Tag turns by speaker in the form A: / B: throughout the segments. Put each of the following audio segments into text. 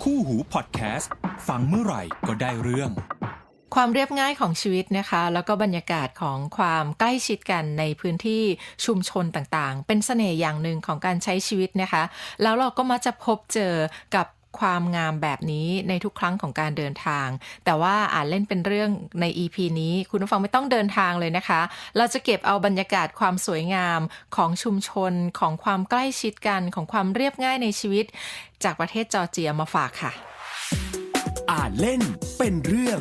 A: คู่หูพอดแคสต์ฟังเมื่อไหร่ก็ได้เรื่อง
B: ความเรียบง่ายของชีวิตนะคะแล้วก็บรรยากาศของความใกล้ชิดกันในพื้นที่ชุมชนต่างๆเป็นเสน่ห์อย่างหนึ่งของการใช้ชีวิตนะคะแล้วเราก็มักจะพบเจอกับความงามแบบนี้ในทุกครั้งของการเดินทางแต่ว่าเล่นเป็นเรื่องใน EP นี้คุณผู้ฟังไม่ต้องเดินทางเลยนะคะเราจะเก็บเอาบรรยากาศความสวยงามของชุมชนของความใกล้ชิดกันของความเรียบง่ายในชีวิตจากประเทศจอร์เจียมาฝากค่ะ
A: อ่านเล่นเป็นเรื่อง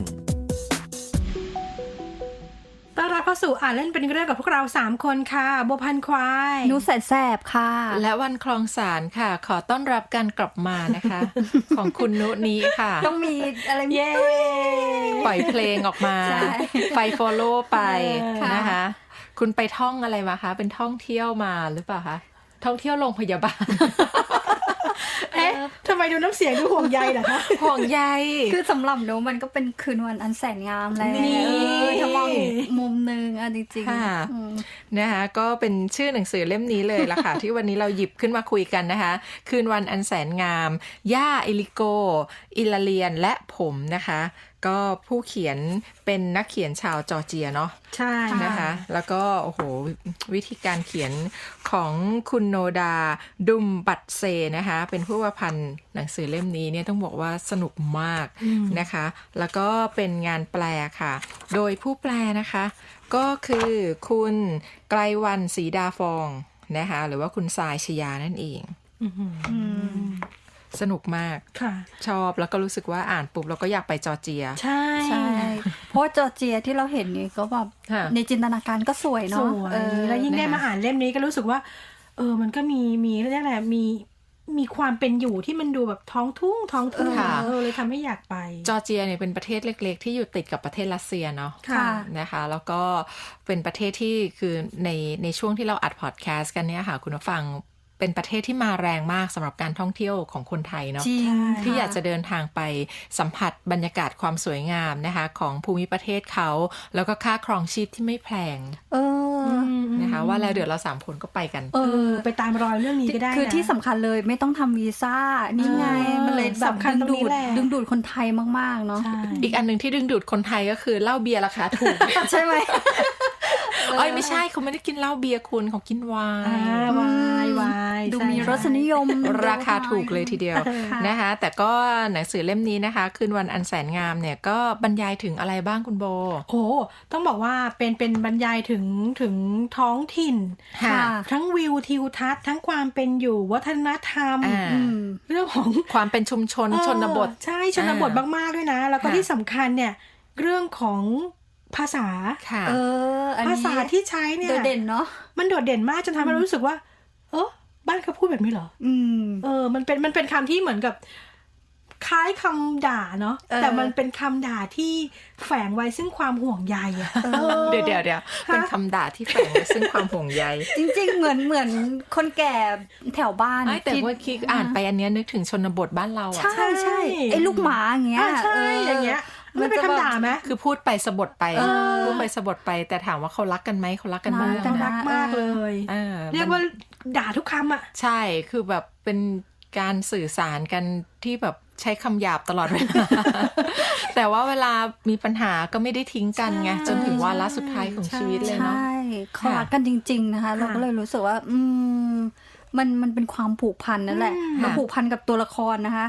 C: ต้อนรับเข้าสู่อ่านเล่นเป็นเรื่องกับพวกเรา3คนค่ะบัวพันควาย
D: นูแสนแสบค่ะ
B: และวันคลองสารค่ะขอต้อนรับการกลับมานะคะ ของคุณนุนี้ค่ะ
D: ต้องมีอะไร
C: เย้
B: ปล่อยเพลงออกมาไฟฟอลโล่ไปนะคะคุณไปท่องอะไรมาคะเป็นท่องเที่ยวมาหรือเปล่าคะท่องเที่ยวโรงพยาบาล
C: เอ๊ะทำไมดูน้ำเสียงดูห่วงใยเหรอคะ
B: ห่วงใย
D: คือสำหรับหนูมันก็เป็นคืนวันอันแสนงามแล้วถ้ามองอีกมุมนึงจริง
B: ๆนะคะก็เป็นชื่อหนังสือเล่มนี้เลยล่ะค่ะ ที่วันนี้เราหยิบขึ้นมาคุยกันนะคะคืนวันอันแสนงามย่าเอลิโกอิลาเลียนและผมนะคะก็ผู้เขียนเป็นนักเขียนชาวจอร์เจียเนาะ
C: ใช่
B: นะคะแล้วก็โอ้โหวิธีการเขียนของคุณโนดาดุมบัตเซนะคะเป็นผู้ประพันธ์หนังสือเล่มนี้เนี่ยต้องบอกว่าสนุกมากนะคะแล้วก็เป็นงานแปลค่ะโดยผู้แปลนะคะก็คือคุณไกลวรรณศรีดาฟองนะคะหรือว่าคุณทรายชยานั่นเองสนุกมากชอบแล้วก็รู้สึกว่าอ่านปุ๊บเราก็อยากไปจอร์เจีย
C: ใช่
D: เพราะจอร์เจียที่เราเห็นนี่ก็แบบในจินตนาการก็สวยเนาะ
C: แล้วยิ่งได้มาอ่านเล่มนี้ก็รู้สึกว่ามันก็มีเรียกอะไรมีความเป็นอยู่ที่มันดูแบบท้องทุ่งเลยทำให้อยากไป
B: จอร์เจียเนี่ยเป็นประเทศเล็กๆที่อยู่ติดกับประเทศรัสเซียเนาะนะคะแล้วก็เป็นประเทศที่คือในช่วงที่เราอัดพอดแคสต์กันเนี่ยค่ะคุณผู้ฟังเป็นประเทศที่มาแรงมากสำหรับการท่องเที่ยวของคนไทยเนาะที่อยากจะเดินทางไปสัมผัสบรรยากาศความสวยงามนะคะของภูมิประเทศเขาแล้วก็ค่าครองชีพที่ไม่แพงนะคะว่าแล้วเดี๋ยวเรา3คนก็ไปกัน
C: ไปตามรอยเรื่องนี้ก็ได้
D: คือที่สำคัญเลยไม่ต้องทำวีซ่านี่ไงมันเลยแบบดึงดูดคนไทยมากๆเนาะ
B: อีกอันนึงที่ดึงดูดคนไทยก็คือเหล้าเบียร์ราคาถูก
D: ใช่ไหม
B: ไม่ใช่เขาไม่ได้กินเหล้าเบียร์คุณเขากินไวน์
D: ดูมีรสนิยม
B: ราคาถูกเลยทีเดียวนะคะแต่ก็หนังสือเล่มนี้นะคะคืนวันอันแสนงามเนี่ยก็บรรยายถึงอะไรบ้างคุณโบ
C: ต้องบอกว่าเป็นบรรยายถึงท้องถิ่นทั้งวิวทิวทัศน์ทั้งความเป็นอยู่วัฒนธรรมเรื่องของ
B: ความเป็นชุมชนชนบท
C: ใช่ชนบทมากๆด้วยนะแล้วก็ที่สำคัญเนี่ยเรื่องของภาษาภาษาที่ใช้เนี่ย
D: โดดเด่นเนาะ
C: มันโดดเด่นมากจนทำให้เรารู้สึกว่าบ้านเขาพูดแบบนี้เหรอมันเป็นคำที่เหมือนกับคล้ายคำด่าเนาะแต่มันเป็นคำด่าที่แฝงไว้ซึ่งความห่วงใย
B: เดี๋ยวเป็นคำด่าที่แฝงไว้ซึ่งความห่วงใย
D: จริงๆเหมือนคนแก่แถวบ้าน
B: แต่ว่าคิดอ่านไปอันนี้นึกถึงชนบทบ้านเรา
D: ใช่ไอ้ลูกหมาอย่างเงี้ย
C: ใช่อย่างเงี้ยมันเป็นคำด่าไหม
B: คือพูดไปสะบดไปแต่ถามว่าเขารักกันไหมเขารักกันมาก
C: รักมากเลยเรียกว่าด่าทุกคำอ่ะ
B: ใช่คือแบบเป็นการสื่อสารกันที่แบบใช้คำหยาบตลอดเวลา แต่ว่าเวลามีปัญหาก็ไม่ได้ทิ้งกันไงจนถึงวาระสุดท้ายของชีวิตเลยเนาะ
D: ใช่เขารักกันจริงๆนะคะเราก็เลยรู้สึกว่ามันเป็นความผูกพันนั่นแหละเราผูกพันกับตัวละครนะคะ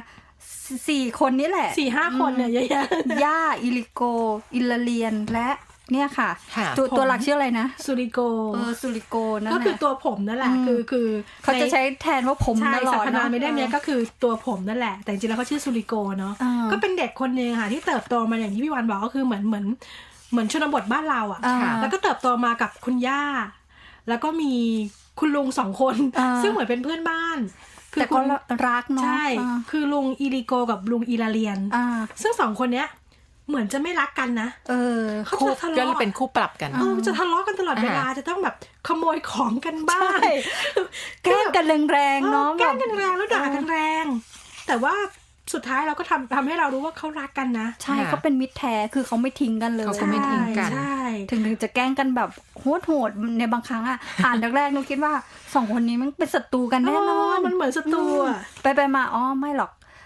D: 4 คนนี้แหละ
C: 4-5 คนเนี่ยเยอะ
D: ๆย่าอิลิโกอิลาเลียนและเนี่ยค่ะตัวหลักชื่ออะไรนะ
C: ซูริโก
D: ซูริโกนั่น
C: ก็คือตัวผมนั่นแหละคือ
D: เขาจะใช้แทนว่าผมตลอด
C: สรรพนามไม่ได้เนี่ยก็คือตัวผมนั่นแหละแต่จริงๆแล้วเขาชื่อซูริโกเนาะก็เป็นเด็กคนนึงค่ะที่เติบโตมาอย่างที่พี่วันบอกก็คือเหมือนชนบทบ้านเราอ่ะแล้วก็เติบโตมากับคุณย่าแล้วก็มีคุณลุง2 คนซึ่งเหมือนเป็นเพื่อนบ้าน
D: แต่ก็รักเนาะ
C: ใช่คือลุงอิลิโกกับลุงอิลาเลียนซึ่ง2 คนเนี้ยเหมือนจะไม่รักกันนะ
B: เขาจะทะเลาะเป็นคู่ปรับกัน
C: จะทะเลาะกันตลอดเวลาจะต้องแบบขโมยของกันบ้าง
D: แกล้งกันแรงๆเนาะ
C: แกล้งกันแรงแล้วด่ากันแรงแต่ว่าสุดท้ายเราก็ทำให้เรารู้ว่าเขารักกันนะ
D: ใช่เขาเป็นมิตรแท้คือเขาไม่ทิ้งกันเลย
B: เขาก็ไม่ทิ้งกัน
D: ถึงจะแกล้งกันแบบโหดในบางครั้งอ่านแรกๆหนูคิดว่า2 คนนี้มันเป็นศัตรูกันแน่นอน
C: มันเหมือนศัตรู
D: ไปมาไม่หรอก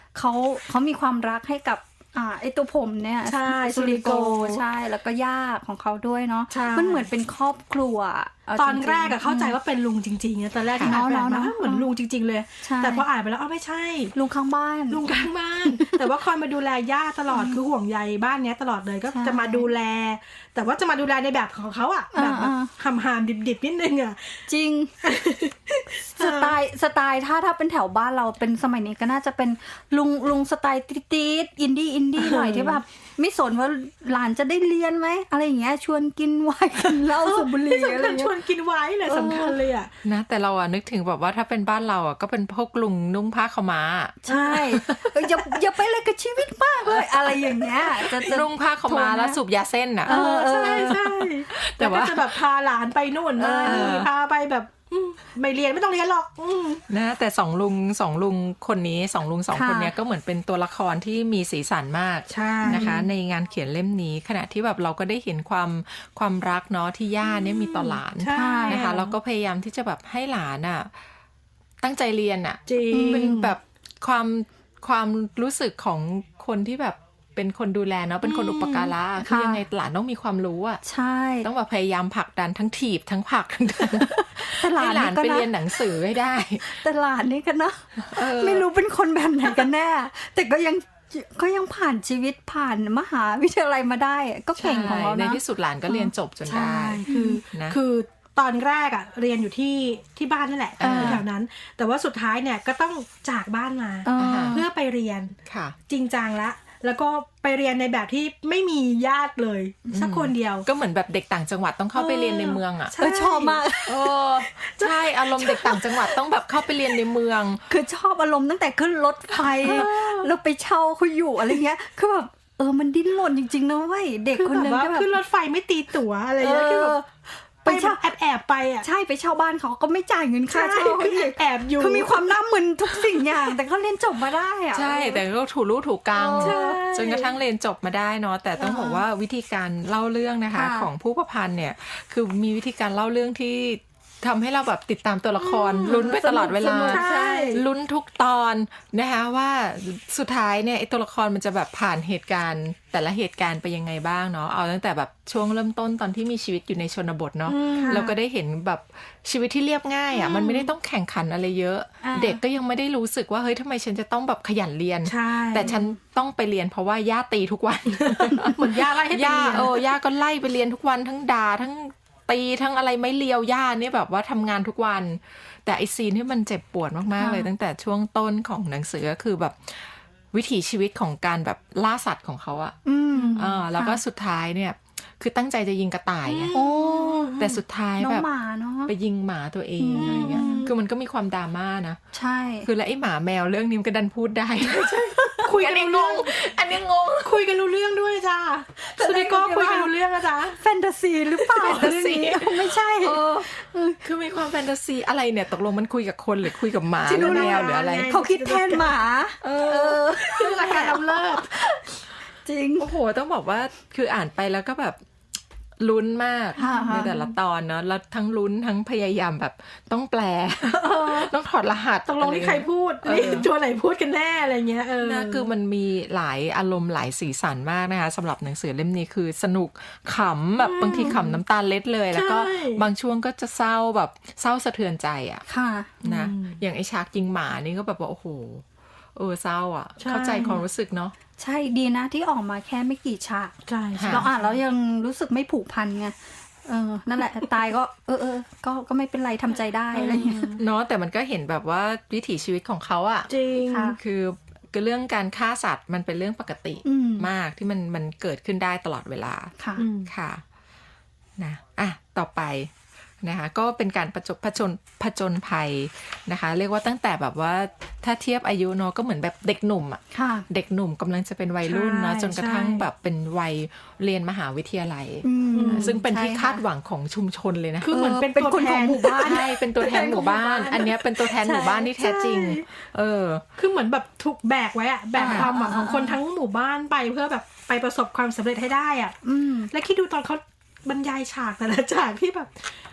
D: เขามีความรักให้กับไอตัวผมเนี่ย
C: ใช่
D: ซูริโก
C: ซูริโก
D: ใช่แล้วก็ย่าของเขาด้วยเนาะ
C: ใช่
D: มันเหมือนเป็นครอบครัวเา
C: ตอน
D: จงๆ
C: แรกเข้าใจว่าเป็นลุงจริงๆนะตอนแรกที่อ่านแบบว่าเหมือนลุงจริงๆเลย
D: ใช่
C: แต่พออ่านไปแล้วไม่ใช่
D: ลุงข้างบ้าน
C: ลุงข้างบ้าน แต่ว่าคอยมาดูแลย่าตลอดคือห่วงใยบ้านเนี้ยตลอดเลยก็
D: ใช่
C: จะมาดูแล แต่ว่าจะมาดูแลในแบบของเขาอ่ะแบบหำๆดิบๆนิดนึงอ่ะ
D: จริง สไตล์ถ้าเป็นแถวบ้านเราเป็นสมัยนี้ก็น่าจะเป็นลุงสไตล์ตีดอินดี้หน่อยที่แบบไม่สนว่าหลานจะได้เรียนไหมอะไรอย่างเงี้ยชวนกินไวน์กินเหล้าสูบบุหรี่
C: ที่
D: อะไร
C: สำคัญช
D: เงี้
C: วย นกินไว้เลยสำคัญเลยอ่ะ
B: นะแต่เรานึกถึงแบบว่าถ้าเป็นบ้านเราก็เป็นพวกลุงนุ่งผ้าขาวม้า
D: ใช่อย่าไปเลยกับชีวิตมากเลยอะไรอย่างเงี้ยจะ
B: นุ่งผ้าขาวม้าแล้วสูบยาเส้นอ่ะ
C: ใช่ใช่
B: แต่
C: แต่ว่า
B: ว่า
C: จะแบบพาหลานไปนู่นมานี่พาไปแบบไม่เรียนไม่ต้องเรียนหรอก
B: นะแต่สองลุงคนนี้สองลุงสองคนเนี้ยก็เหมือนเป็นตัวละครที่มีสีสันมาก
C: ใช่
B: นะคะในงานเขียนเล่มนี้ขณะที่แบบเราก็ได้เห็นความรักเนาะที่ย่าเนี่ยมีต่อหลาน
C: ใช่
B: นะคะแล้วก็พยายามที่จะแบบให้หลานอ่ะตั้งใจเรียนอ่ะ
C: จริง
B: เป็นแบบความรู้สึกของคนที่แบบเป็นคนดูแลเนาะเป็นคนอุปการะคือยังไงหลานต้องมีความรู้อ่ะ
D: ใช่
B: ต้องแบบพยายามผลักดันทั้งถีบทั้งผลักทั้งดัน
D: แต่หลา
B: ให้
D: น
B: หลาน
D: นี่ก็
B: ไป
D: นะ
B: เรียนหนังสือให้ได้
D: แต่หลานนี่ก็นะไม่รู้เป็นคนแบบไหนกันแน่ แต่ก็ยังผ่านชีวิตผ่านมหาวิทยาลัยมาได้ก็เก่งของเรา
B: ใน
D: นะ
B: ที่สุดหลานก็เรียนจบจนได้
C: ใช่คือตอนแรกอ่ะเรียนอยู่ที่บ้านนั่นแหละแถวนั้น แต่ว่าสุดท้ายเนี่ยก็ต้องจากบ้านมาเพื่อไปเรียน
B: ค่ะ
C: จริงจังแล้วก็ไปเรียนในแบบที่ไม่มีญาติเลยสักคนเดียว
B: ก็เหมือนแบบเด็กต่างจังหวัดต้องเข้าไปเรียนในเมืองอ่ะ
C: ใช่
D: ชอบมาก
B: ใช่อารมณ์เด็กต่างจังหวัดต้องแบบเข้าไปเรียนในเมือง
D: คือชอบอารมณ์ตั้งแต่ขึ้นรถไฟแล้วไปเช่าเขาอยู่อะไรเงี้ยคือแบบมันดิ้นรนจริงๆนะเว้ยเด็ก
C: คือ
D: คน
C: แบ
D: นึ
C: บ
D: ง
C: ว่า
D: ก็แบบ
C: ขึ้นรถไฟไม่ตีตั๋วอะไรอย่างเงี้ยคือแบบไปเช่าแอบไปอ่ะ
D: ใช่ไปเช่าบ้านเขาก็ไม่จ่ายเงินค่าเช่า
C: คือแอบอยู่
D: คือมีความน่ามึนทุกสิ่งอย่าง แต่เขาเรียนจบมาได้อะ
B: ใช่แต่ก็ถูรู้ถูกกรรม
C: ใช่
B: จนกระทั่งเรียนจบมาได้เนาะแต่ต้องบอกว่าวิธีการเล่าเรื่องนะคะของผู้ประพันธ์เนี่ยคือมีวิธีการเล่าเรื่องที่ทำให้เราแบบติดตามตัวละครลุ้นไปตลอดเวลา
C: ใช่
B: ลุ้นทุกตอนนะคะว่าสุดท้ายเนี่ยไอ้ตัวละครมันจะแบบผ่านเหตุการณ์แต่ละเหตุการณ์ไปยังไงบ้างเนาะเอาตั้งแต่แบบช่วงเริ่มต้นตอนที่มีชีวิตอยู่ในชนบทเนาะเราก็ได้เห็นแบบชีวิตที่เรียบง่ายอ่ะมันไม่ได้ต้องแข่งขันอะไรเยอะ เด็กก็ยังไม่ได้รู้สึกว่าเฮ้ยทำไมฉันจะต้องแบบขยันเรียน
C: ใช่
B: แต่ฉันต้องไปเรียนเพราะว่าย่าตีทุกวัน
C: เหมือนย่าไล่ให้ไป
B: ย่า
C: เรียน
B: ย่าก็ไล่ไปเรียนทุกวันทั้งด่าทั้งตีทั้งอะไรไม่เลียวย่าเนี่ยแบบว่าทำงานทุกวัน แต่ไอซีนที่มันเจ็บปวดมากๆเลยตั้งแต่ช่วงต้นของหนังสือก็คือแบบวิถีชีวิตของการแบบล่าสัตว์ของเขาอะแล้วก็สุดท้ายเนี่ยคือตั้งใจจะยิงกระต่ายไง
D: โอ้
B: แต่สุดท้าย
D: น้อง
B: แบบ
D: หมาเนาะ
B: ไปยิงหมาตัวเองอะไรเงี้ยคือมันก็มีความดราม่านะ
D: ใช่
B: คือแล้วไอ้หมาแมวเรื่องนี้มันก็ดันพูดได้
C: คุยกันรู้เรื่อง
B: อันนี้งง
C: คุยกันรู้เรื่องด้วยจ้าสุนิโก้คุยกันรู้เรื่องนะจ๊ะ
D: แฟนตาซีหรือเปล่า
B: แฟนตาซี
D: เรื่องนี้ไม่ใช่
B: คือมีความแฟนตาซีอะไรเนี่ยตกลงมันคุยกับคนหรือคุยกับหมาหรือแมวหรืออะไร
D: เขาคิดแทนหมา
C: คือรายการอำเลิศ
D: จริง
B: โอ้โหต้องบอกว่าคืออ่านไปแล้วก็แบบลุ้นมาก
D: ค่ะ
B: ในแต่ละตอนเนาะแล้วทั้งลุ้นทั้งพยายามแบบต้องแปล ต้องถอดรหัส
C: ตกลงนี่ใครพูดนี่ตัวไหนพูดกันแน่อะไรเงี้ย
B: นะคือมันมีหลายอารมณ์หลายสีสันมากนะคะสำหรับหนังสือเล่มนี้คือสนุกขำแบบบางทีขำน้ำตาเล็ดเลย แล้วก็บางช่วงก็จะเศร้าแบบเศร้าสะเทือนใจอ่ะ
D: ค่ะ
B: นะอย่างไอฉากยิงหมานี่ก็แบบว่าโอ้โหเศร้าอ่ะเข้าใจความรู้สึกเนาะ
D: ใช่ดีนะที่ออกมาแค่ไม่กี่ฉาก
C: ใช่
D: เราอ่านแล้วยังรู้สึกไม่ผูกพันไงนั่นแหละตายก็ก็ไม่เป็นไรทำใจได้อะไรอย่างเงี้ย
B: เนาะแต่มันก็เห็นแบบว่าวิถีชีวิตของเขาอ่ะ
C: จริง
D: ค่ะ
B: คือเรื่องการฆ่าสัตว์มันเป็นเรื่องปกติมากที่มันเกิดขึ้นได้ตลอดเวลา
D: ค่ะ
B: ค่ะนะต่อไปนะคะก็เป็นการผจญภัยนะคะ เรียกว่าตั้งแต่แบบว่าถ้าเทียบอายุเนาะก็เหมือนแบบเด็กหนุ่มอ่ะ
D: ค่ะ
B: เด็กหนุ่มกำลังจะเป็นวัยรุ่นเนาะจนกระทั่งแบบเป็นวัยเรียนมหาวิทยาลัยซึ่งเป็นที่คาดหวังของชุมชนเลยนะ
C: คือเหมือนเป็น
D: เป็น
C: ตัว
D: คน
C: แท
D: ของ
C: น
D: หมู่บ้าน
B: ใช่เป็นตัวแทนหมู่บ้าน อันเนี้ยเป็นตัวแทนหมู่บ้านที่แท้จริง
C: คือเหมือนแบบถูกแบกไว้อะแบกความหวังของคนทั้งหมู่บ้านไปเพื่อแบบไปประสบความสำเร็จให้ได้อ่ะและคิดดูตอนเขาบรรยายฉากแต่ละฉากที่แบบ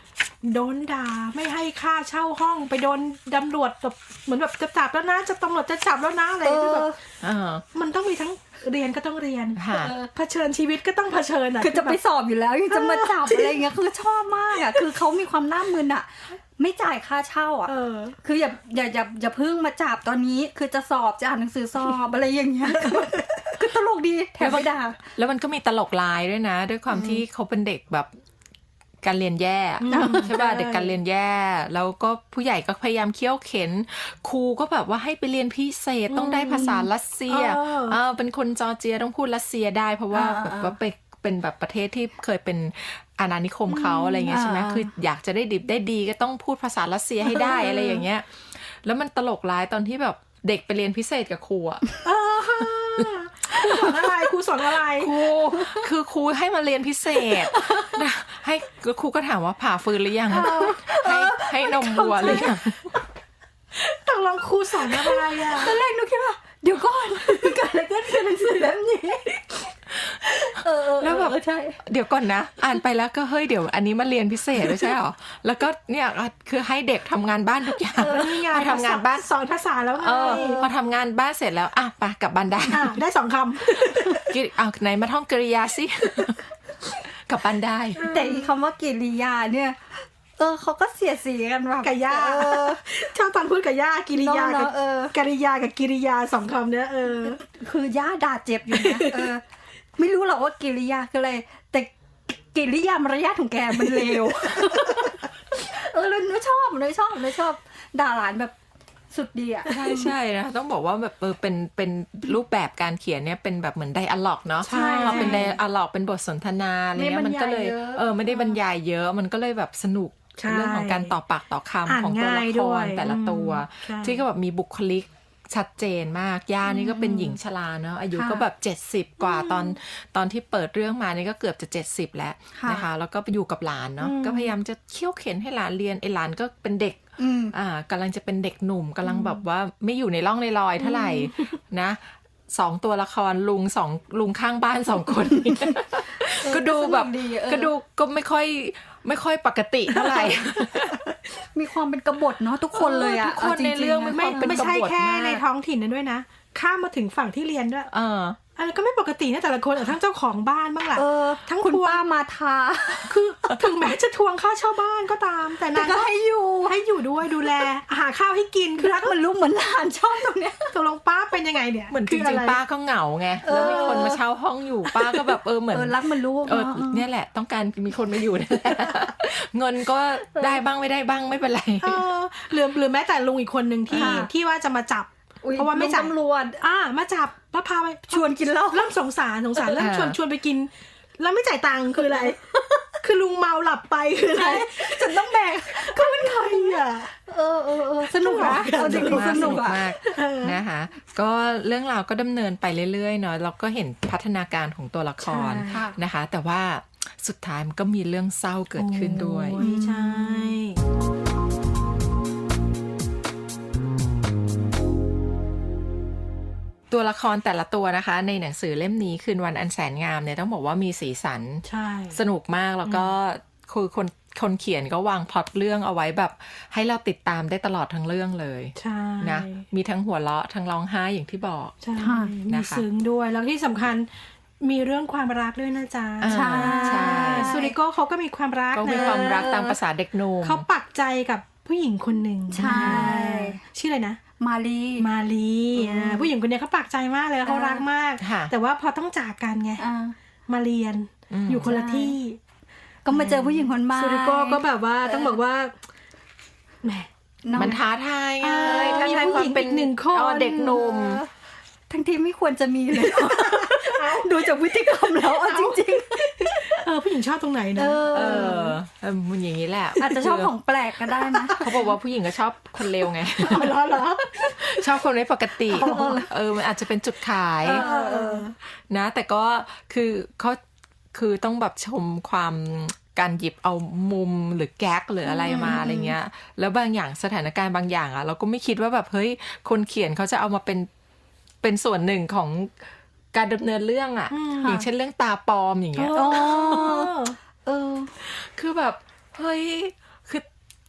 C: โดนด่าไม่ให้ค่าเช่าห้องไปโดนตำรวจแบบเหมือนแบบจะจับแล้วนะจะตำรวจจะจับแล้วนะอะไรคือแบบมันต้องมีทั้งเรียนก็ต้องเรียนเผชิญชีวิตก็ต้องเผชิญอ่ะ
D: คือจะไปสอบอยู่แล้วยังจะมาจับอะไรเงี้ยคือชอบมากอ่ะคือเขามีความน่ามึนอ่ะไม่จ่ายค่าเช่าอ่ะคืออย่าเพิ่งมาจับตอนนี้คือจะสอบจะอ่านหนังสือสอบอะไรอย่างเงี้ยคือตลกดีแถมไม่ด่า
B: แล้วมันก็มีตลกลายด้วยนะด้วยความที่เขาเป็นเด็กแบบการเรียนแย่ใช่ป่ะเด็กการเรียนแย่แล้วก็ผู้ใหญ่ก็พยายามเคี่ยวเข็นครูก็แบบว่าให้ไปเรียนพิเศษต้องได้ภาษารัสเซียเป็นคนจอร์เจียต้องพูดรัสเซียได้เพราะว่าแบบว่าเป็นแบบประเทศที่เคยเป็นอาณานิคมเขาอะไรเงี้ยใช่ไหมคืออยากจะได้ดิบได้ดีก็ต้องพูดภาษารัสเซียให้ได้อะไรอย่างเงี้ยแล้วมันตลกร้ายตอนที่แบบเด็กไปเรียนพิเศษกับครูอ่ะ
C: ครูสอนอะไรครู
B: คือครูให้มาเรียนพิเศษนะให้ครูก็ถามว่าผ่าฟืนหรือยังให้นมวัวหรือยัง
C: ตกลงครูสอนอะไรอ่ะ
D: ตอนแรกหนูคิดว่าเดี๋ยวก่อนเกิดอะไรขึ้นกับหนังสือเล่มนี้
B: แล้วแบบ
D: ใช่
B: เดี๋ยวก่อนนะอ่านไปแล้วก็เฮ้ยเดี๋ยวอันนี้มาเรียนพิเศษไม่ใช่หรอแล้วก็เนี่ยคือให้เด็กทำงานบ้านทุกอย่าง
C: พอทำงานบ้านสอนภาษาแล้วไง
B: พอทำงานบ้านเสร็จแล้วไปกลับบ้านได้
C: ได้2 ค
B: ำไหนมาท่องกริยาสิกลับบ้านได้
D: แต่อีคำว่ากิริยาเนี่ยเขาก็เสียสีกันแบบ
C: กับย่าชอบตอนพูดกับย่ากิริยากับกริยากับกิริยา2 คำเนี่ย
D: คือย่าด่าเจ็บอยู่นะไม่รู้หรอกว่ากิริยาคืออะไรแต่กิริยามารยาทของแกมันเลวเลยหนูชอบด่าหลานแบบสุดดีอ่ะ
B: ใช่นะต้องบอกว่าแบบเป็นรูปแบบการเขียนเนี่ยเป็นแบบเหมือนไดอะล็อกเนาะพอเป็นไดอะล็อกเป็นบทสนทนาอะไรเงี้ยมันก็เลยไม่ได้บรรยายเยอะมันก็เลยแบบสนุกเรื่องของการต่อปากต่อคำของตัวละครแต่ละตัวที่ก็แบบมีบุคลิกชัดเจนมากย่านี่ก็เป็นหญิงชราเนาะอายุก็แบบ70กว่าตอนที่เปิดเรื่องมานี่ก็เกือบจะ70แล้วนะคะแล้วก็ไปอยู่กับหลานเนาะก็พยายามจะเคี่ยวเข็นให้หลานเรียนไอ้หลานก็เป็นเด็กกำลังจะเป็นเด็กหนุ่มกำลังแบบว่าไม่อยู่ในร่องในรอยเท่าไหร่นะ2ตัวละครลุงข้างบ้าน2คนก็ดูแบบก็ดูก็ไม่ค่อยปกติเท่าไหร่
D: มีความเป็นกบฏเนาะทุกคนเลยอ่ะ
B: ทุกคนในเรื่อง
C: ไม่ใช่แค่ในท้องถิ่นนั้นด้วยนะข้ามมาถึงฝั่งที่เรียนด้วยก็ไม่ปกตินะแต่ละคนทั้งเจ้าของบ้านบ้างแหละ
D: ทั้งคุณป้ามาทา
C: คือถึงแม้จะทวงค่าเช่าบ้านก็ตามแต่นาง
D: ก็ให้
C: อยู่ด้วยดูแลหาข้าวให้กิน
D: คือรักเหมือนลูกเหมือนหลานชอบตรงเนี้ย
C: ตกลงป้าเป็นยังไงเนี่ย
B: เหมือนจริงๆป้าก็เหงาไงแล้วมีคนมาเช่าห้องอยู่ป้าก็แบบเหมือน
D: รักเหมือนลูก
B: เนี่ยแหละต้องการมีคนมาอยู่นี่แหละเงินก็ได้บ้างไม่ได้บ้างไม่เป็นไร
C: หรือแม้แต่ลุงอีกคนนึงที่ว่าจะมาจับเพราะว่าไม่จับ
D: ตำรวจ
C: มาจับแล้วพาไป
D: ชวนกินเหล้า
C: เริ่มสงสารเริ่มชวนไปกินแล้วไม่จ่ายตังค์คืออะไรคือลุงเมาหลับไปคืออะไร
D: จนต้องแบก
C: ก็เป็นใครอ่ะ
D: สนุกนะเอาจริงๆสนุก
B: มากนะคะก็เรื่องราวก็ดำเนินไปเรื่อยๆเนาะเราก็เห็นพัฒนาการของตัวละครนะคะแต่ว่าสุดท้ายมันก็มีเรื่องเศร้าเกิดขึ้นด้วย
C: ใช่
B: ตัวละครแต่ละตัวนะคะในหนังสือเล่มนี้คืนวันอันแสนงามเนี่ยต้องบอกว่ามีสีสันสนุกมากแล้วก็คือคนเขียนก็วางพล็อตเรื่องเอาไว้แบบให้เราติดตามได้ตลอดทั้งเรื่องเลยนะมีทั้งหัวเราะทั้งร้องไห้อย่างที่บอก
C: มีซึ้งด้วยแล้วที่สำคัญมีเรื่องความรักด้วยนะจ๊ะ
B: ใช่
C: ซูริโก้เขาก็มีความรัก
B: มีความรักตามภาษาเด็กหนุ่ม
C: เขาปักใจกับผู้หญิงคนหนึ่ง
D: ใช่
C: ชื่ออะไรนะ
D: มา
C: ลีผู้หญิงคนนี้เขาปักใจมากเลยเขารักมากแต่ว่าพอต้องจากกันไงมาเรียนอยู่คนละที่
D: ก็มาเจอผู้หญิงคนใหม่
C: ซูริโก้ก็แบบว่าต้องบอกว่าแหม
B: มันท้าทายไงท้าทายความเป็น
C: 1 คน
B: เด็กหนุ่ม
D: ทั้งที่ไม่ควรจะมีเลยดูจากพฤติกรรมแล้วจริง
C: ๆผู้หญิงชอบตรงไหนนะ
B: มันอย่างนี้แหละ
D: อาจจะชอบของแปลกก็ได้นะ
B: เขาบอกว่าผู้หญิงก็ชอบคนเลวไง
C: เหรอ
B: ชอบคนไม่ปกติมันอาจจะเป็นจุดขายนะแต่ก็คือเขาคือต้องแบบชมความการหยิบเอามุมหรือแก๊กหรืออะไรมาอะไรเงี้ยแล้วบางอย่างสถานการณ์บางอย่างเราก็ไม่คิดว่าแบบเฮ้ยคนเขียนเขาจะเอามาเป็นส่วนหนึ่งของการดำเนินเรื่องอย่างเช่นเรื่องตาปลอมอย่างเงี้ยคือแบบเฮ้ยคือ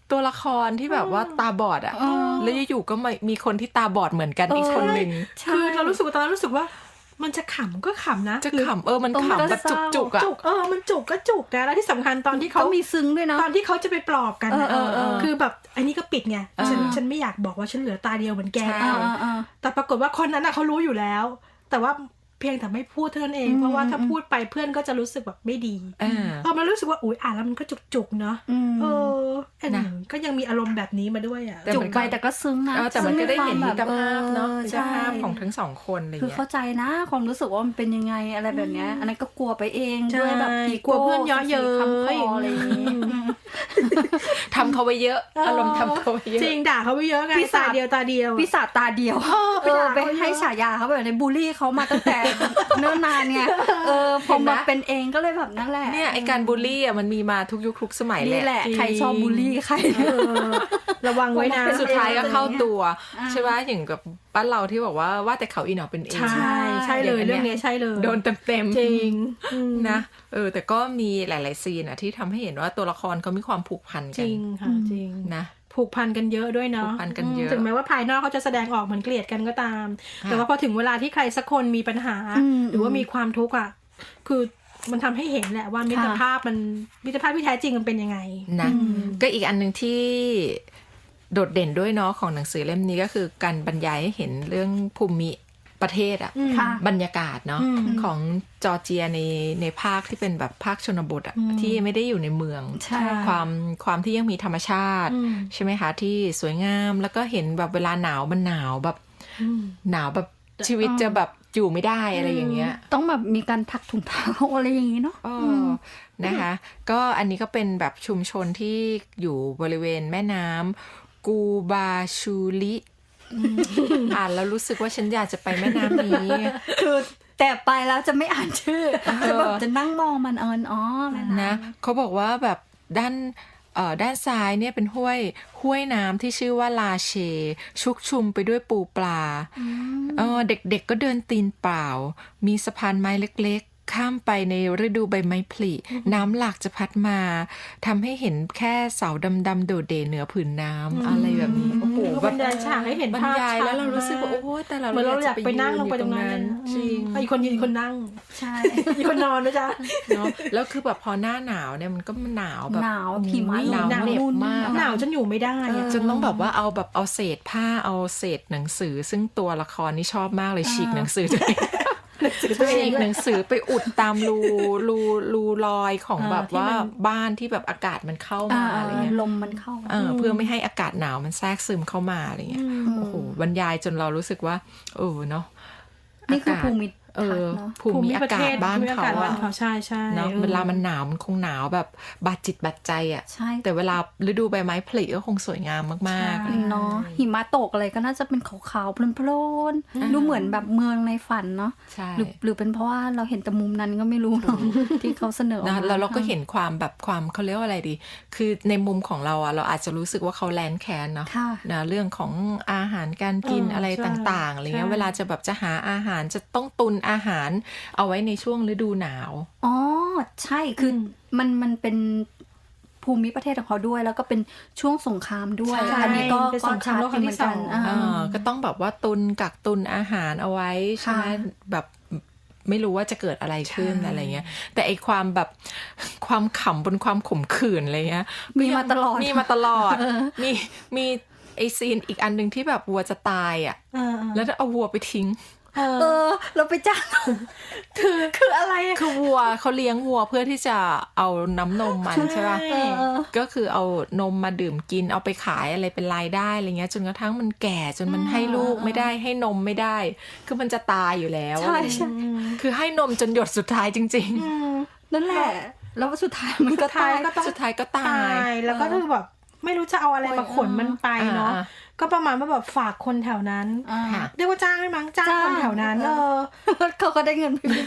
B: ตัวละครที่แบบว่าตาบอดอ่ะแล้วอยู่ๆก็มีคนที่ตาบอดเหมือนกันอีกคนหนึ่ง
C: คือเรารู้สึกว่าตอนนั้นรู้สึกว่ามันจะขำก็ขำนะ
B: จะขำมันขำแบบจุกๆอ่ะ
C: จุกมันจุกก็จุกนะแล้วที่สำคัญตอนที่เขา
D: มีซึ้งด้วยนะ
C: ตอนที่เขาจะไปปลอบกันนะ คือแบบอันนี้ก็ปิดไง
B: เออ
C: ฉันไม่อยากบอกว่าฉันเหลือตาเดียวเหมือนแก
B: ใช่
C: แต่ปรากฏว่าคนนั้นเขารู้อยู่แล้ว แต่ว่าเพียงแต่ไม่พูดเท่านั้นเองเพราะว่าถ้าพูดไปเพื่อนก็จะรู้สึกแบบไม่ดีมันรู้สึกว่าอุ๊ยอ่านแล้วมันก็จุกๆเนาะนะก็ยังมีอารมณ์แบบนี้มาด้วยอ่ะ
D: จุกไปแต่ก็ซึ้งนะ
B: แต่มันก็ได้เห็นมิตรภาพเนาะมิตร
D: ใช่
B: ภาพของทั้งสองคนอะไร
D: คือ
B: เงี้ย
D: เข้าใจนะความรู้สึกว่ามันเป็นยังไงอะไรแบบเนี้ยอันนั้นก็กลัวไปเอง
C: ใช่
D: ด้วยแบบ
C: กลัวเพื่อนเยาะเย้ย
D: คำคออะไรอย่างนี้
B: ทำเขาไว้เยอะอารมณ์ทำเขาไว้เยอะ
C: จริงด่าเขาไปเยอะไงตาเดียวตาเดียว
D: ปีศาจตาเดียว
C: ไปด่าเขา
D: ไป
C: เยอะ
D: ให้ฉายาเขาแบบในบูลลี่เขามาตั้งแต่ เนิ่นนานไงพอมาเป็นเองก็เลยแบบนั่นแหละ
B: เนี่ยไอการบูลลี่อ่ะมันมีมาทุกยุคทุกสมัย
D: นี่แหละ
C: จริง
D: ใครชอบบูลลี่ใคร
C: ระวังไว้นะ
B: สุดท้ายก็เข้าตัวใช่ไหมอย่างกับบ้านเราที่บอกว่าแต่เขาอีหนอเป็นเอง
C: ใช่เลยเรื่องนี้ใช่เลย
B: โดนเต็มๆ
C: จริง
B: นะแต่ก็มีหลายๆซีนอ่ะที่ทำให้เห็นว่าตัวละครเขามีความผูกพัน
C: จ
B: กัน
C: ริงค่ะจริง
B: นะ
C: ผูกพันกันเยอะด้วยเนาะ
B: ผูกพันกันเยอะ
C: ถึงแม้ว่าภายนอกเขาจะแสดงออกเหมือนเกลียดกันก็ตาม แต่ว่าพอถึงเวลาที่ใครสักคนมีปัญหา หรือว่ามีความทุกข์อ่ะคือมันทำให้เห็นแหละว่ามิตรภาพที่แท้จริงมันเป็นยังไง
B: นะก็อีกอันหนึ่งที่โดดเด่นด้วยเนาะของหนังสือเล่มนี้ก็คือการบรรยายให้เห็นเรื่องภูมิประเทศอ่ะบรรยากาศเนาะของจอร์เจียในภาคที่เป็นแบบภาคชนบทอ่ะที่ไม่ได้อยู่ในเมืองความที่ยังมีธรรมชาติใช่ไหมคะที่สวยงามแล้วก็เห็นแบบเวลาหนาวมันหนาวแบบชีวิตจะแบบอยู่ไม่ได้อะไรอย่างเงี้ย
D: ต้องแบบมีการถักถุงเท้าอะไรอย่างงี้เนาะ
B: นะคะก็อันนี้ก็เป็นแบบชุมชนที่อยู่บริเวณแม่น้ำกูบาชูลิอ่านแล้วรู้สึกว่าฉันอยากจะไปแม่น้ำนี้
D: คือแต่ไปแล้วจะไม่อ่านชื่อจะแบบจะนั่งมองมัน
B: นะเขาบอกว่าแบบด้านซ้ายเนี่ยเป็นห้วยน้ำที่ชื่อว่าลาเชชุกชุมไปด้วยปูปลาเด็กๆก็เดินตีนเปล่ามีสะพานไม้เล็กๆข้ามไปในฤดูใบไม้ผลิน้ำหลากจะพัดมาทำให้เห็นแค่เสาดำๆโดดเด่นเหนือผืนน้ำอะไรแบบนี้โอ้โห
C: บรรยายฉากให้เห็นภาพ
B: บรรยายแล้วเรารู้สึกว่าโอ้แต่เรา
C: เหมือนเราอยากไปนั่งลงไปตรงนั้น
B: จริง
C: อีกคนยืนอีกคนนั่ง
D: ใช่
C: อีกคนนอนนะจ๊ะ
B: เนาะแล้วคือแบบพอหน้าหนาวเนี่ยมันก็หนาวแบบ
D: หนาวหิมะ
B: หนาวเหน็บมาก
C: หนาวจนอยู่ไม่ได้
B: จนต้องแบบว่าเอาเศษผ้าเอาเศษหนังสือซึ่งตัวละครนี่ชอบมากเลยฉีกหนังสือตัวเองฉีกหนังสือไปอุดตามรูรอยของแบบว่าบ้านที่แบบอากาศมันเข้ามาอะไรเงี้ย
D: ลมมันเข้า
B: เพื่อไม่ให้อากาศหนาวมันแทรกซึมเข้ามาอะไรเงี้ยโอ้โหบรรยายจนเรารู้สึกว่าเนาะ
D: นี่คือภูมิ
B: ภูมิอากาศบ้านเขา
C: ใช่
B: เนาะเวลามันหนาวมันคงหนาวแบบบาดจิตบาดใจอ่ะแต่เวลาฤดูใบไม้ผลิก็คงสวยงามมาก
D: ๆเนาะหิมะตกอะไรก็น่าจะเป็นขาวๆโพลนๆดูเหมือนแบบเมืองในฝันเนาะหรือเป็นเพราะว่าเราเห็นแต่มุมนั้นก็ไม่รู้เนาะที่เขาเสนอ
B: นะแล้วเราก็เห็นความแบบความเขาเรียกว่าอะไรดีคือในมุมของเราอ่ะเราอาจจะรู้สึกว่าเขาแลนแค้นเนาะนะเรื่องของอาหารการกินอะไรต่างๆอะไรเงี้ยเวลาจะแบบจะหาอาหารจะต้องตุนอาหารเอาไว้ในช่วงฤดูหนาว
D: ใช่คือมันเป็นภูมิประเทศของเขาด้วยแล้วก็เป็นช่วงสงครามด้วยอันนี้ก็
C: สงครามโลกครั้งที่สอง
B: ก็ต้องแบบว่ากักตุนอาหารเอาไว้ใช่ไหมแบบไม่รู้ว่าจะเกิดอะไรขึ้นอะไรเงี้ยแต่ไอความแบบความขำบนความขมขื่นอะไรเงี้ย
D: มีมาตลอด
B: มีไอซีนอีกอันนึงที่แบบวัวจะตายอ่ะแล้วเอาวัวไปทิ้ง
D: เราไปจ้างคืออะไร
B: คือวัวเขาเลี้ยงวัวเพื่อที่จะเอาน้ำนมมันใช่ป่ะก็คือเอานมมาดื่มกินเอาไปขายอะไรเป็นรายได้อะไรเงี้ยจนกระทั่งมันแก่จนมันให้ลูกไม่ได้ให้นมไม่ได้คือมันจะตายอยู่แล้ว
D: ใช่
B: คือให้นมจนหยดสุดท้ายจริง
D: ๆนั่นแหละแล้วสุดท้ายมันก็ตาย
B: สุดท้ายก็ตาย
C: แล้วก็คือแบบไม่รู้จะเอาอะไรมาขนมันไปเนาะก็ประมาณว่าแบบฝากคนแถวนั้นเรียกว่าจ้างไหมมั้งจ้างคนแถวนั้น
D: เขาก็ได้เงินไป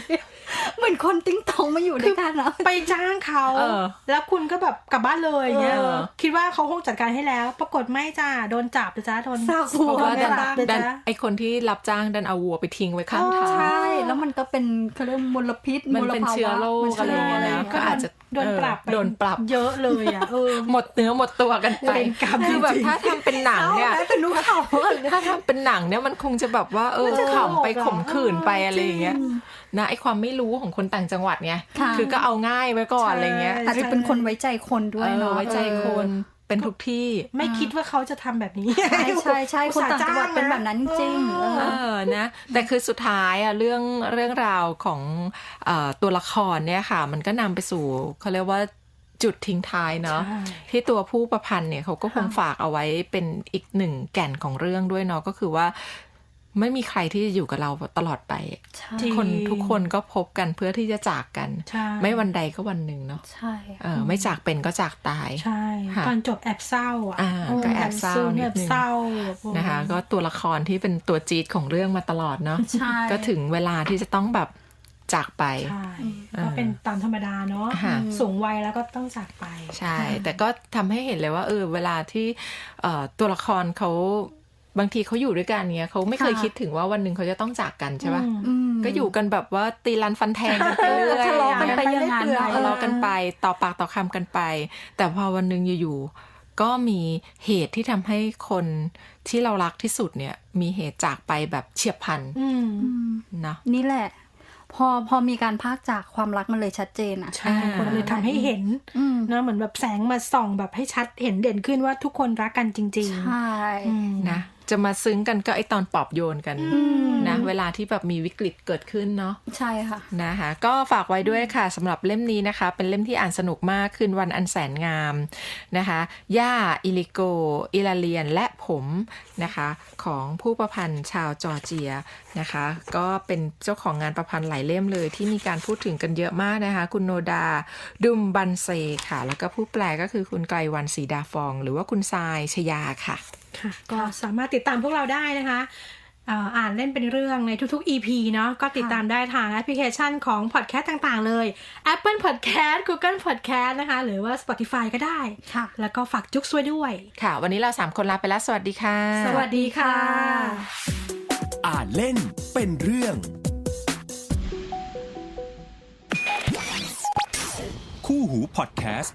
D: เหมือนคนติ้งตองมาอยู่ด้วยกันอะ
C: ไปจ้างเขาแล้วคุณก็แบบกลับบ้านเลยอย่างเงี้ยคิดว่าเขาคงจัดการให้แล้ว ปรากฏไม่จ้าโดนจับจ้าโดน
D: ซากวัว
C: โดน
B: ดัน
C: จับเลย
B: ดัน
C: จ้า
B: ไอคนที่รับจ้างดันเอาวัวไปทิ้งไว้ข้างทาง
D: ใช่แล้วมันก็เป็นเขาเรียกมลพิษ
B: มันเป็นเชื้อโรคอะไรอย่างเงี้ยนะ
C: ก็
B: ก็อาจจะ
C: โดนปรับไป
B: โดนปรับ
C: เยอะเลยอ่ะ
B: หมดเนื้อหมดตัวกันไป
C: เป็นกรรม
B: คือแบบ
C: จริงๆ
B: ถ้าทำเป็นหนังเนี่ย
D: เป็นนุเขา
B: ถ้าทำเป็นหนังเนี่ยมันคงจะแบบว่าขำไปข่มขืนไปอะไรอย่างเงี้ยนะไอความไม่รู้ของคนต่างจังหวัดไงคือก็เอาง่ายไว้ก่อนอะไรเงี้ย
D: อาจจะเป็นคนไว้ใจคนด้วยเนาะ
B: ไว้ใจคนเป็นทุกที่
C: ไม่คิดว่าเขาจะทำแบบนี้
D: ใช่คนต่างจังหวัดเป็นแบบนั้นจริง
B: นะแต่คือสุดท้ายอะเรื่องราวของตัวละครเนี่ยค่ะมันก็นำไปสู่เขาเรียกว่าจุดทิ้งท้ายเนาะที่ตัวผู้ประพันธ์เนี่ยเขาก็คงฝากเอาไว้เป็นอีกหนึ่งแก่นของเรื่องด้วยเนาะก็คือว่าไม่มีใครที่จะอยู่กับเราตลอดไปคนทุกคนก็พบกันเพื่อที่จะจากกันไม่วันใดก็วันหนึ่งเนาะ
D: ใช่
B: ไม่จากเป็นก็จากตาย
C: ใช่ตอนจบแอบเศร้าอ่ะ
B: ก็แอบเศร้านิดนึงนะคะก็ตัวละครที่เป็นตัวจี๊ดของเรื่องมาตลอดเนาะก็ถึงเวลาที่จะต้องแบบจากไป
C: ใช่ก็เป็นตามธรรมดาเนาะสูงวัยแล้วก็ต้องจากไป
B: ใช่แต่ก็ทำให้เห็นเลยว่าเวลาที่ตัวละครเขาบางทีเขาอยู่ด้วยกันเนี้ยเขาไม่เคยคิดถึงว่าวันหนึ่งเขาจะต้องจากกันใช่ป่ะก็อยู่กันแบบว่าตีรันฟันแทงกันไปเรื่อย
D: ทะเลาะกันไปอย่างนั้น
B: ทะเลาะกันไปต่อปากต่อคำกันไปแต่พอวันหนึ่งอยู่ๆก็มีเหตุที่ทำให้คนที่เรารักที่สุดเนี่ยมีเหตุจากไปแบบเฉียบพลันเนาะ
D: นี่แหละพอมีการพากจากความรักมันเลยชัดเจนอ่ะ
C: ใช่คนเลยทำให้เห็นนะเหมือนแบบแสงมาส่องแบบให้ชัดเห็นเด่นขึ้นว่าทุกคนรักกันจริงๆ
D: ใช่
B: นะจะมาซึ้งกันก็ไอตอนปลอบโยนกันนะเวลาที่แบบมีวิกฤตเกิดขึ้นเนาะ
D: ใช่ค่ะ
B: นะคะก็ฝากไว้ด้วยค่ะสำหรับเล่มนี้นะคะเป็นเล่มที่อ่านสนุกมากคืนวันอันแสนงามนะคะย่าอิลิโกอิลาเลียนและผมนะคะของผู้ประพันธ์ชาวจอร์เจียนะคะก็เป็นเจ้าของงานประพันธ์หลายเล่มเลยที่มีการพูดถึงกันเยอะมากนะคะคุณโนดาดุมบันเซค่ะแล้วก็ผู้แปลก็คือคุณไกรวรรณศรีดาฟองหรือว่าคุณทรายชยาค่ะ
C: ก็สามารถติดตามพวกเราได้นะคะอ่านเล่นเป็นเรื่องในทุกๆ EP เนาะก็ติดตามได้ทางแอปพลิเคชันของพอดแคสต์ต่างๆเลย Apple Podcast Google Podcast นะคะหรือว่า Spotify ก็ได้แล้วก็ฝากจุ๊กซวยด้วย
B: ค่ะวันนี้เรา3คนลาไปแล้วสวัสดีค่ะ
C: สวัสดีค่ะ
A: อ่านเล่นเป็นเรื่องคู่หูพอดแคสต์